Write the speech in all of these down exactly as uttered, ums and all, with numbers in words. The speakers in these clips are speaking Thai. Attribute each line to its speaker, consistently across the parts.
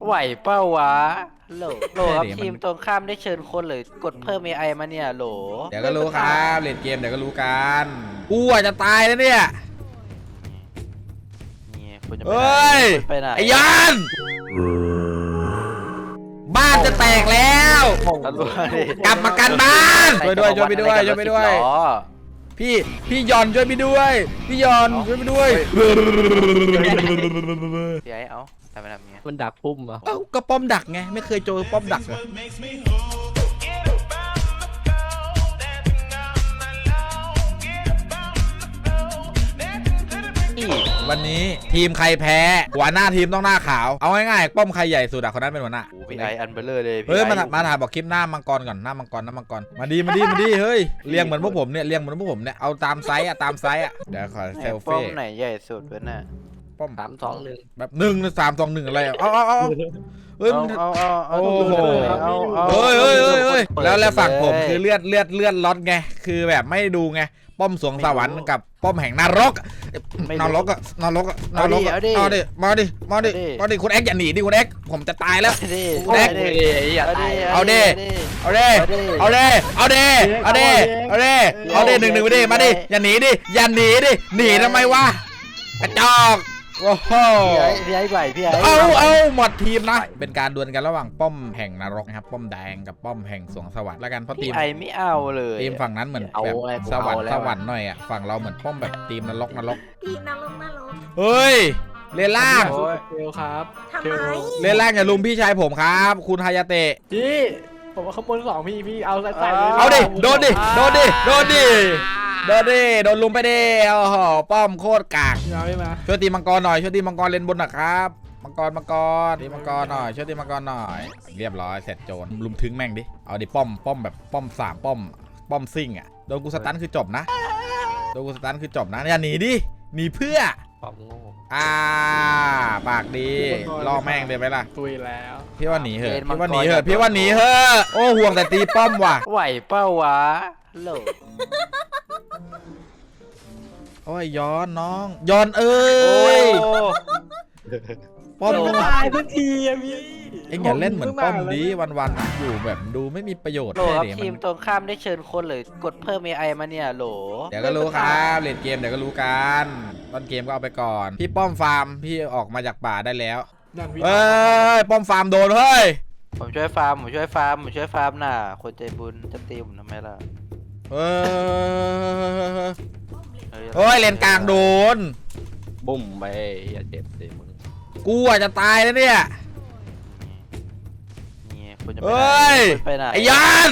Speaker 1: ไหวเป้าวะโหลโหลครับทีมตรงข้ามได้เชิญคนหรือกดเพิ่ม เอ ไอ มาเนี่ยโหล
Speaker 2: เดี๋ยวก็รู้ครับเล่นเกมเดี๋ยวก็รู้กันกูอาจจะตายแล้วเนี่ยเฮ้ยไอ้ยันบ้านจะแตกแล้วกลับมากันบ้านช่วยด้วยช่วยไปด้วยช่วยไปด้วยพี่พี่ยอนช่วยไปด้วยพี่ยอนช่วยไปด้วย
Speaker 1: พี่ไอ้เอาทำไมทำเงี้ย
Speaker 3: มันดักพุ่มอ่ะ
Speaker 2: เอ้าก็ป้อมดักไงไม่เคยเจอป้อมดักเลยวันนี้ทีมใครแพ้หัวหน้าทีมต้องหน้าขาวเอาง่ายๆป้อมใครใหญ่สุดอะคนนั้นเป็นหัวหน้า
Speaker 1: พี่ไออันเบลเลอร์เลย
Speaker 2: เฮ้ยมามาถ่ายบอกคลิปหน้ามังกรก่อนหน้ามังกรหน้ามังกรมาดีมาดีมาดีเฮ้ยเลี้ยงเหมือนพวกผมเนี่ยเลี้ยงเหมือนพวกผมเนี่ยเอาตามไซส์อะตามไซส์อะเดี๋ยวขอเซลฟี่
Speaker 1: ป้อมไหนใหญ่สุดวะน่ะ
Speaker 2: ป้อม
Speaker 3: สามสองหนึ่ง
Speaker 2: แบบหนึ่งสามสองหนึ่งอะไรเอาเอาเอาเฮ้ย
Speaker 1: เอาเอาเอาโอ้โห
Speaker 2: เฮ้ยเฮ้ยเฮ้ยเฮ้ยแล้วแล้วฝั่งผมคือเลือดเลือดเลือดล็อตไงคือแบบไม่ดูไงป้อมสวงสวรรค์กับป้อมแห่งนรกนรกอะนรกอะนรกอะเอาดิมาดิมาดิมาดิคุณเอ็กอย่าหนีดิคุณเอ็กผมจะตายแล้วคุณเอ็กเอาดิเอาดิเอาดิเอาดิเอาดิเอาดิเอาดิหนึ่งหนึ่งไปดิมาดิอย่าหนีดิอย่าหนีดิหนีทำไมวะกระจอกโอ้โห
Speaker 1: พี่ไอ้ใบพี่ไอ้
Speaker 2: เอาเอาหมดทีมนะเป็นการดวลกันระหว่างป้อมแห่งนรกนะครับป้อมแดงกับป้อมแห่งสวงสวรรค์แล้วกันเพราะทีม
Speaker 1: ไอ้ไม่เอาเลย
Speaker 2: ทีมฝั่งนั้นเหมือนแบบสวรรค์สวรรค์หน่อยอ่ะฝั่งเราเหมือนป้อมแบบทีมนรกนรก
Speaker 4: ทีมนรกนรก
Speaker 2: เฮ้ยเลนล่าง
Speaker 3: เทลครับ
Speaker 4: ทำไม
Speaker 2: เลนล่างอย่าลุมพี่ชายผมครับคุณฮายาเตะ
Speaker 3: พี่ผมว่าขบวนสองพี่พี่เอาใส่ใส่
Speaker 2: เอาดิโดนดิโดนดิโดนดิโดนดิโดนลุมไปดิโอ้โหป้อมโคตรกาก
Speaker 3: มาไม่มา
Speaker 2: ช่วยตีมังกรหน่อยช่วยตีมังกรเลนบนหน่อยครับมังกรมังกรตีมังกรหน่อยช่วยตีมังกรหน่อยเรียบร้อยเสร็จโจรลุมถึงแม่งดิเอาดิป้อมป้อมแบบป้อมสามป้อมป้อมซิ่งอ่ะโดนกูสตันคือจบนะโดนกูสตันคือจบนะอย่าหนีดิหนีเพื่อ
Speaker 3: ป้อมโง่
Speaker 2: อ่าปากดีล่อแม่งเลยไหมล่ะ
Speaker 3: ตุยแล้ว
Speaker 2: พี่ว่าหนีเหอะพี่ว่าหนีเหอะพี่ว่าหนีเหอะโอ้ห่วงแต่ตีป้อมว่ะ
Speaker 1: ไหวเป้าวะโหล
Speaker 2: โอ้ยย้อนน้องย้อนเอ้ยป้อม
Speaker 3: ตายทุกทีอะพี่
Speaker 2: เอ็งอย่าเล่นเหมือนป้อมดีวันๆอยู่แบบดูไม่มีประโยชน์
Speaker 1: โหลครับทีมตรงข้ามได้เชิญคนหรือกดเพิ่ม เอ ไอ มาเนี่ยโหล
Speaker 2: เดี๋ยวก็รู้ครับเล่นเกมเดี๋ยวก็รู้กันต้นเกมก็เอาไปก่อนพี่ป้อมฟาร์มพี่ออกมาจากป่าได้แล้วเอ้ยป้อมฟาร์มโดนเฮ้ย
Speaker 1: ผมช่วยฟาร์มผมช่วยฟาร์มผมช่วยฟาร์มน่ะคนใจบุญจะตีผมทำไมล่ะ
Speaker 2: เฮ้ยเฮ้ยเลนกลางโดน
Speaker 3: บุ้มไปอย่าเจ็บสิมึง
Speaker 2: กูอาจจะตายแล้วเนี่ยเฮ้ยไอ้ยัน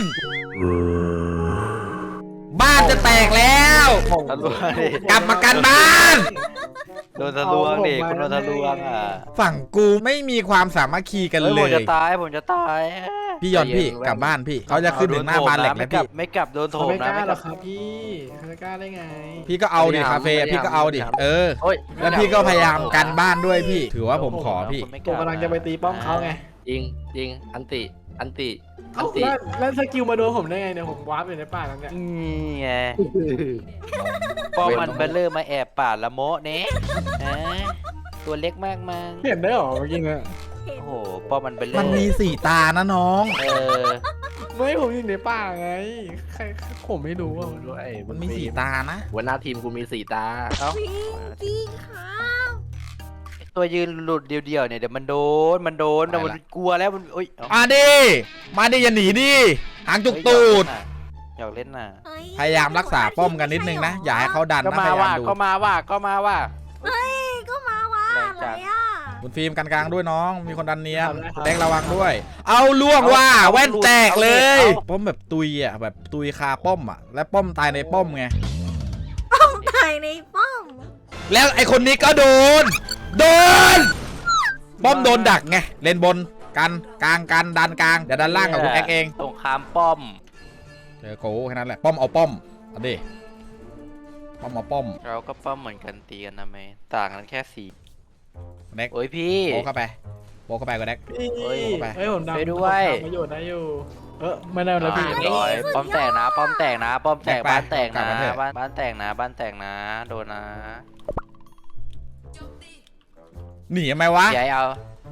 Speaker 2: บ้านจะแตกแล้วกลับมากันบ้าน
Speaker 1: โดนทะลวงดิคุณโดนทะลวงอ่ะ
Speaker 2: ฝั่งกูไม่มีความสามัคคีกันเลย
Speaker 1: ผมจะตายผมจะตาย
Speaker 2: พี่ยอนพี่กลับบ้านพี่เขาจะขึ้นถึงหน้าบ้านเหล็กแล้วพี่
Speaker 1: ไม่กลับโดนโถมนะ
Speaker 3: ไม่กล้าหรอกครับพี่ไม่กล้าได้ไง
Speaker 2: พี่ก็เอาดิคาเฟ่พี่ก็เอาดิเออแล้วพี่ก็พยายามกันบ้านด้วยพี่ถือว่าผมขอพี่
Speaker 3: ตัวกำลังจะไปตีป้อมเขาไง
Speaker 1: จริงจริงอันติอันติ
Speaker 3: อันติแล้วสกิลมาโดนผมได้ไงเนี่ยผมวาร์ปอยู่ในป่าแล้วเนี่ย
Speaker 1: นี่ไงป้อมมันเบลเลอร์มาแอบป่าละโมเนะตัวเล็กมากมา
Speaker 3: เห็นได้หรอเมื่อกี้เนี่ย
Speaker 1: โอ้โหป้อมมันเบลเลอร์
Speaker 2: มันมีสี่ตานะน้อง
Speaker 1: เออ
Speaker 3: ไม่ผมอยู่ในป่าไงใครผมไม่รู้อ่ะด้วย
Speaker 2: มันมีสี่ตานะ
Speaker 3: หัวหน้าทีมกูมีสี่ตา
Speaker 4: เอ้าจริงค่ะ
Speaker 1: ตัวยืนหลุดเดียวๆเนี่ยเดี๋ยวมันโดนมันโดนแต่มันกลัวแล้วมันโอ๊ย
Speaker 2: มาดิมาดิอย่าหนีดิหางจุกตูด
Speaker 1: อยากเล่นน่ะ
Speaker 2: พยายามรักษาป้อมกันนิดนึงนะอย่าให้เขาดันนะพยายามดู
Speaker 1: ก็มาว่าก็มาว่า
Speaker 4: เฮ้ยก็มาว่าอะไรอ่ะ
Speaker 2: คุณฟิล์มกันกลางด้วยน้องมีคนดันเนียนแดงระวังด้วยเอาล่วงว่าแว่นแตกเลยป้อมแบบตุยอ่ะแบบตุยคาป้อมอ่ะและป้อมตายในป้อมไง
Speaker 4: ป้อมตายในป้อม
Speaker 2: แล้วไอคนนี้ก็โดนโดนป้อมโดนดักไงเลนบนกันกลางกันดันกลางเดี๋ยวดันล่างกับคุณแอ็กเอง
Speaker 1: ตรงข้ามป้อม
Speaker 2: เจอโก้แค่นั้นแหละป้อมเอาป้อมเอาดิป้อมเอาป้อม
Speaker 1: เราก็ป้อมเหมือนกันตีกันนะแม่ต่างกันแค่สี
Speaker 2: แด็ก
Speaker 1: โอ้ยพี่
Speaker 2: โบเข้าไปโบเข้าไปก็แด็ก
Speaker 3: เฮ้ยเฮ้ยผมดำ
Speaker 1: ไปด้วย
Speaker 3: ประโยชน์ได้อยู่เออไม่ได้แล้วพี่
Speaker 1: ร้อยป้อมแตกนะป้อมแตกนะป้อมแตกบ้านแตกนะบ้านบ้านแตกนะบ้านแตกนะโดนนะ
Speaker 2: หนีทำไมวะ
Speaker 1: ใหญ่เอา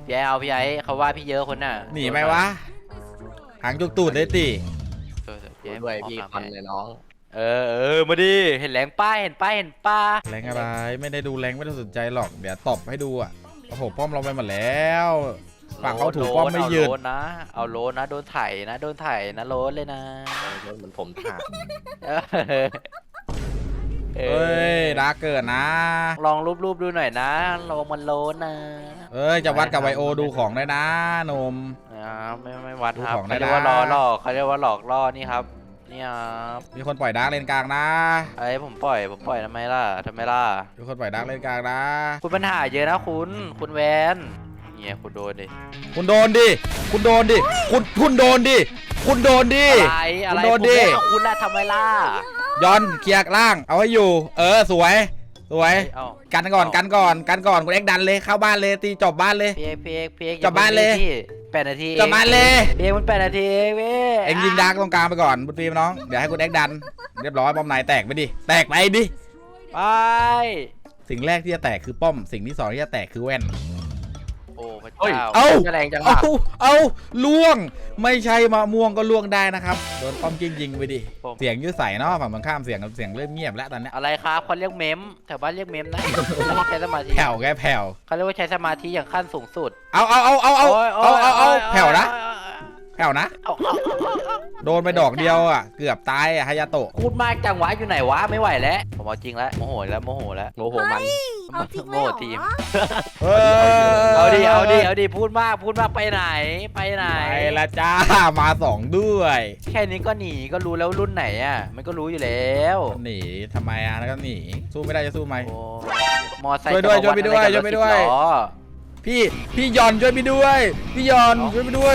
Speaker 1: พี่ไอ้เอาพี่ไอ้เขาว่าพี่เยอะคนน่ะ
Speaker 2: หนีไหมวะหางจุกตูดเลยติ
Speaker 1: เออพี่ไอ้
Speaker 3: ด้วยพี่คอนเลยน้อง
Speaker 1: เออเออมาดิเห็นแรงป้าเห็นป้าเห็นป้า
Speaker 2: แรงอะไรไม่ได้ดูแรงไม่ได้สนใจหรอกเดี๋ยวตบให้ดูอ่ะโอ้โหป้อมเราไปหมดแล้วฝั่งเขาถูกป้อมไม่ยืน
Speaker 1: เอาโลนนะเอาโลนนะโดนไถนะโดนไถนะโลนเลยนะ
Speaker 3: เหมือนผมถาม
Speaker 1: เออเอ
Speaker 2: เอ้
Speaker 1: อย
Speaker 2: ดาร์กเกิดนะ
Speaker 1: ลองรูปๆดูหน่อยนะโลมันโลนนะ
Speaker 2: เอ้ยจะวัดกับไวโอดูของได้นะหนม
Speaker 1: อ่าไม่ไม่วัดครับ
Speaker 2: ดูของได้
Speaker 1: เขาเรียกว่า
Speaker 2: นะ
Speaker 1: ล้อหลอกเขาเรียกว่าหลอกล่อนี่ครับนี่ครับ
Speaker 2: มีคนปล่อยดาร์กเลนกลางนะ
Speaker 1: ไอ้ผมปล่อยผมปล่อยทำไมล่ะทำไมล่ะ
Speaker 2: มีคนปล่อยดาร์กเลนกลางนะ
Speaker 1: คุณปัญหาเยอะนะคุณคุณแวนเงี้ยคุณโดนดิ
Speaker 2: คุณโดนดิคุณโดนดิคุณคุณโดนดิคุณโดนดิ
Speaker 1: อะไรอะไร
Speaker 2: คุณโดน
Speaker 1: ผม
Speaker 2: ดิ
Speaker 1: เล่นกับคุณล่ะทำไมล่ะ
Speaker 2: ย้อนเคลียร์ล่างเอาให้อยู่ เออสวยสวย
Speaker 1: เอ้า
Speaker 2: กันก่อนกันก่อนกันก่อนคุณเอ็กดันเลยเข้าบ้านเลยตีจบบ้านเลย
Speaker 1: เพียกเพียกเพียก
Speaker 2: จบบ้านเลย
Speaker 1: แปดนาที
Speaker 2: จบบ้านเลย
Speaker 1: เพียกมันแปดนาทีเองเว้ย
Speaker 2: เอ็งยิงดาร์กตรงกลางไปก่อนบุตรีมน้องเดี๋ยวให้คุณเอ็กดันเรียบร้อยป้อมไหนแตกไปดิแตกไปดิ
Speaker 1: ไป
Speaker 2: สิ่งแรกที่จะแตกคือป้อมสิ่งที่สองที่จะแตกคือแว่น
Speaker 1: โอ้พระ
Speaker 3: เฮ้ย
Speaker 1: เจ้า
Speaker 2: เอ้า
Speaker 3: จะแรงจัง
Speaker 2: เอา
Speaker 3: วะ
Speaker 2: เอาล่วงไม่ใช่มะม่วงก็ล่วงได้นะครับโดนป้อมกิ้งยิงไปดิเสียงยืดใส่เนาะฝั่งตรงข้ามเสียงเสียงเริ่มเงียบแล้วตอนเนี้ย
Speaker 1: อะไรครับเขาเรียกเมมแถวบ้านเรียกเมมนะใช้สมาธิ
Speaker 2: แผ่วแกแผ่ว
Speaker 1: เขาเรียกว่าใช้สมาธิอย่างขั้นสูงสุด
Speaker 2: เอาเอาเอาเอาเอา
Speaker 1: โยโย
Speaker 2: เอาเอาเอา
Speaker 1: โย
Speaker 2: แผ่วนะ
Speaker 1: โย
Speaker 2: แผ่วนะ
Speaker 1: เอาเอาเอาเอา
Speaker 2: โดนไปดอกเดียวอ่ะเกือบตายอ่ะฮายาโตะ
Speaker 1: พูดมากจังหวะอยู่ไหนวะไม่ไหวแล้วผมเอาจริงแล้วโมโหแล้วโมโหแล้ว
Speaker 3: โมโหมัน
Speaker 4: เอาจริง
Speaker 1: โม
Speaker 4: เลย
Speaker 1: โห
Speaker 4: เหร
Speaker 1: ทีม
Speaker 4: อ
Speaker 2: เอ
Speaker 1: เอาดิเอาดิเอาดิพูดมากพูดมากไปไหนไปไหน
Speaker 2: ไปละจ้ามาสองด้วย
Speaker 1: แค่นี้ก็หนีก็รู้แล้วรุ่นไหนอ่ะมันก็รู้อยู่แล้ว
Speaker 2: หนีทำไมอ่ะแล้วก็หนีสู้ไม่ได้จะสู้ไหม
Speaker 1: โอ้มอไซค์
Speaker 2: ช่วยด้วย
Speaker 1: จะมา
Speaker 2: ช่วยไปด้วย
Speaker 1: อะไรกับ
Speaker 2: ช่วยไปด้วย
Speaker 1: รถสิบล้อ
Speaker 2: พี่พี่ยอนช่วยพี่ด้วยพี่ยอน
Speaker 1: เอา
Speaker 2: ช่วยพี่ด้วย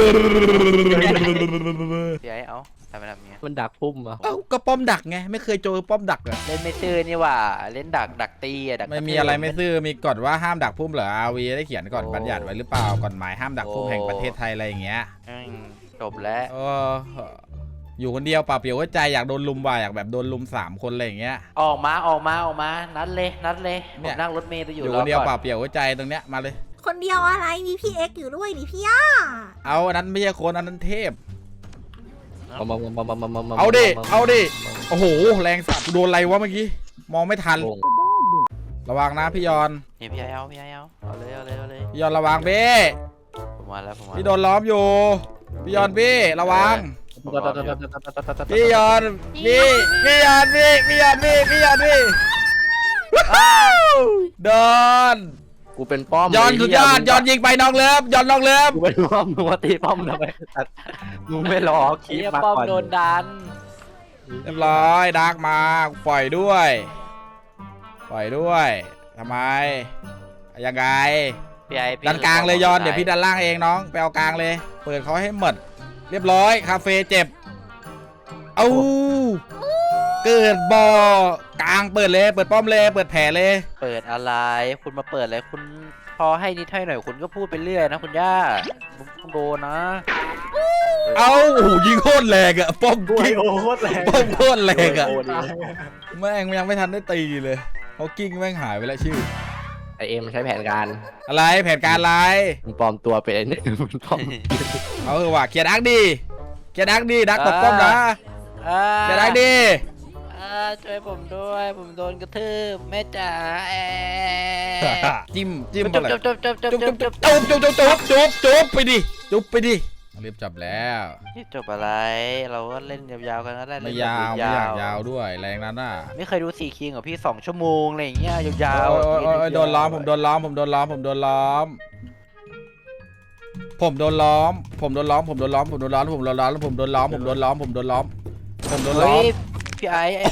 Speaker 1: พี่ไอ้เอาทำไมทำอย่างเงี้ย
Speaker 3: มันดักพุ่มอ่ะ
Speaker 2: เอ้าก็ป้อมดักไงไม่เคยเจอป้อมดักอ่ะ
Speaker 1: เล่นไม่ซื่อนี่หว่าเล่นดักดักตีอะดัก
Speaker 2: ไม่มีอะไรไม่ซื่อมีกฎว่าห้ามดักพุ่มเหรออาวีได้เขียนก่อนบัญญัติไว้หรือเปล่ากฎหมายห้ามดักพุ่มแห่งประเทศไทยอะไรอย่างเงี้ย
Speaker 1: อืมจบแล้ว
Speaker 2: เอออยู่คนเดียวเปล่าเปลี่ยวหัวใจอยากโดนลุมว่ะอยากแบบโดนลุมสามคนอะไรอย่างเงี้ย
Speaker 1: ออกมาออกมาออกมานัดเลยนัดเลยผ
Speaker 2: เนี่
Speaker 1: ม
Speaker 2: ย
Speaker 1: นั่งรถเมล์ไปอ
Speaker 2: อยู่ ยู่ค
Speaker 1: รอน
Speaker 2: เดียว
Speaker 1: ก่
Speaker 2: เป
Speaker 1: อ
Speaker 2: ล่าน เปลี่ยวหัวใจตรงเนี้ยมาเลย
Speaker 4: คนเดียวอะไรมีพี่เอ็กซ์อยู่ด้วยนี่พี่ย่า
Speaker 2: เอาอันนั้นไม่ใช่คนอันนั้นเทพ
Speaker 3: มามามามามามามา
Speaker 2: เอาดิเอาดิโอ้โหแรงสัตว์โดนอะไรวะเมื่อกี้มองไม่ทัน
Speaker 3: โป่ง
Speaker 2: ระวังนะพี่ยอน
Speaker 1: นี่พี่ไอ้เอาพี่ไอ้เอาเอาเลยเอาเลยเอาเลย
Speaker 2: พี่ยอนระวังเบ้
Speaker 1: ผมมาแล้วผมมา
Speaker 2: พี่โดนล้อมอยู่พี่ยอนพี่ระวังพี่ยอนพี่พี่ยอนพี่พี่ยอนพี่พี่ยอนพี่โดน
Speaker 3: กูเป็นป้อม
Speaker 2: ยอนสุดยอดยอนยิงไปน้องเลิฟยอนน้องเลิฟ
Speaker 3: กูเป็นป้อมมึงมาตีป้อมทำไมมึงไม่รอคลิ
Speaker 1: เฮี
Speaker 3: ป
Speaker 1: ย
Speaker 3: มา
Speaker 1: ป้อม
Speaker 3: ก่อน
Speaker 1: โดนดัน
Speaker 2: เรียบร้อยดาร์กมาปล่อยด้วยปล่อยด้วยทำไมยังไง
Speaker 1: พี่ไอ้พี่
Speaker 2: ดันกลางเลยยอนเดี๋ยวพี่ดันล่างเองน้องไปเอากลางเลย เปิดเขาให้หมดเรียบร้อยคาเฟ่เจ็บเอาเกิดบ่อกลางเปิดเลยเปิดป้อมเลยเปิดแผลเลย
Speaker 1: เปิดอะไรคุณมาเปิดอะไรคุณพอให้นิดให้หน่อยคุณก็พูดไปเรื่อยนะคุณย่าคุณโดนนะ
Speaker 2: เอาโอ้โหยิงโคตรแรงอะป้อม
Speaker 3: กูไอ
Speaker 2: กิ้ง
Speaker 3: โอโคตรแรง
Speaker 2: ป้อมโคตรแรงอะ
Speaker 3: โโห
Speaker 2: แม่งยังไม่ทันได้ตีเลยเขากิ้งแม่งหายไปแล้วชื่อ
Speaker 3: ไอเอ็มใช้แผนการ
Speaker 2: อะไรแผนการอะไร
Speaker 3: มึงปลอมตัวเป็นไอ้นี่มึงปลอม
Speaker 2: เอาเถอะว่ะเคลียร์ดักดีเคลียร์ดักดีดักตบป้อมนะ
Speaker 1: อ่า
Speaker 2: เคลียร์ดักดี
Speaker 1: อ่าช่วยผมด้วยผมโดนกระทืบแม่จ๋าแอ
Speaker 2: จิ้มจิ้ม
Speaker 1: จุ๊
Speaker 2: อะ
Speaker 1: บ
Speaker 2: ไร
Speaker 1: จุ๊บจุ๊บจุ๊บจุ๊บ
Speaker 2: จุ๊บ
Speaker 1: จุ๊
Speaker 2: จุ๊
Speaker 1: บบ จุ๊บ
Speaker 2: จุ๊บจุ๊บจุ๊บจุ๊บจุ๊บไปดิจุ๊บไปดิรีบจับแล้ว
Speaker 1: นี่จบอะไร เราก็เล่นยาวๆกันก็ได้
Speaker 2: ไม่
Speaker 1: เล่นแบบ
Speaker 2: ยาวไม่อยากยาวด้วยแรงนั้นน่ะ
Speaker 1: ไม่เคยดูสี่คิงกับพี่สองชั่วโมงอะไรอย่างเงี้ยยาว
Speaker 2: โอ้ย
Speaker 1: ๆ
Speaker 2: โอ้ยโอ้ยโดนล้อมผมโดนล้อมผมโดนล้อมผมโดนล้อมผมโดนล้อมผมโดนล้อมผมโดนล้อมผมโดนล้อมผมโดนล้อมผมโดนล้อมผมโดนล้อมผมโดนล้อมผมโดนล้อ
Speaker 1: เฮ้
Speaker 2: ม
Speaker 1: ยพี่ไอ้ไอ้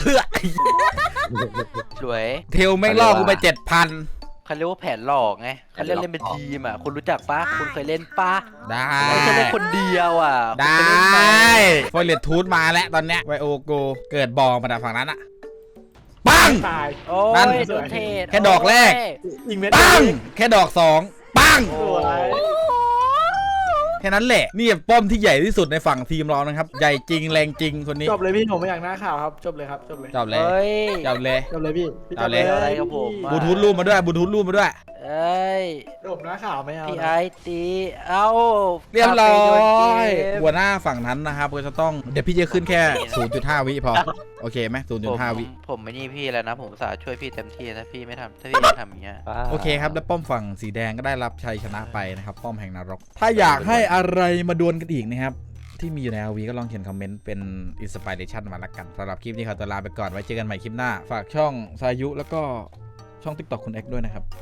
Speaker 1: สวย
Speaker 2: เทลแม่งล่อกูไปเจ็ดพัน
Speaker 1: เขาเรียกว่าแผนหลอกไงเขาเรียกเล่นเป็นทีมอ่ะคุณรู้จักปะคุณเคยเล่นปะ
Speaker 2: ได้
Speaker 1: ไม่ใช่เล่นคนเดียวอ่ะ
Speaker 2: ได้
Speaker 1: คุณเคยเล่นไหม
Speaker 2: ฟอยเลตทูธมาแล้วตอนเนี้ยไวโอโกเกิดบอลมาจากฝั่งนั้นอะปัง
Speaker 3: ตาย
Speaker 1: โอ้
Speaker 2: นั่น
Speaker 1: ยโดนเทศ
Speaker 2: แค่ดอกแรก
Speaker 1: โย
Speaker 3: ยิงเม็ด
Speaker 2: ปังแค่ดอกสองปัง
Speaker 1: โอ้ย
Speaker 2: แค่นั้นแหละนี่ป้อมที่ใหญ่ที่สุดในฝั่งทีมเรานะครับใหญ่จริงแรงจริงคนนี้
Speaker 5: จบเลยพี่ผมไม่อยากหน้าข่าวครับจบเลยครับจบเลย
Speaker 2: จบเลย
Speaker 1: เฮ้ย
Speaker 2: จบเลย
Speaker 5: จบเลยพี่พี่
Speaker 2: เอาเลย
Speaker 5: จบ
Speaker 1: อะไรกับผมอะ
Speaker 2: บลูทูธรูปมาด้วยบลูทูธรูปมาด้วย
Speaker 1: เอเอ้ย
Speaker 5: จบหน้าข่าวไม่เอา
Speaker 1: พี่
Speaker 5: นะ
Speaker 1: ไอตีเอ้า
Speaker 2: เรียบร้อ
Speaker 1: ไปโดนเก
Speaker 2: ย
Speaker 1: ม
Speaker 2: หัวหน้าฝั่งนั้นนะครับก็จะต้องเดี๋ยวพี่จะขึ้นแค่ ศูนย์จุดห้า วิพอโอเคไหมศูนย์
Speaker 1: ผ
Speaker 2: จุด
Speaker 1: ม
Speaker 2: ห้า วิ
Speaker 1: ผมไม่นี่พี่แล้วนะ ผมสาช่วยพี่เต็มที่ถ้าพี่ไม่ทำถ้าพี่ไม่ทำอย่างเงี้ย
Speaker 2: โอเคครับแล้วป้อมฝั่งสีแดงก็ได้รับชัยชนะไปนะครับป้อมแห่งนรก ถ้าอยากให้อะไรมาดวลกันอีกนะครับที่มีอยู่ใน อาร์ วี ก็ลองเขียนคอมเมนต์เป็นอินสปิเรชันมาละกันสำหรับคลิปนี้ขอตัวลาไปก่อนไว้เจอกันใหม่คลิปหน้าฝากช่องสายุแล้วก็ช่อง ติ๊กต็อก คุณเอ็กซ์ด้วยนะครับ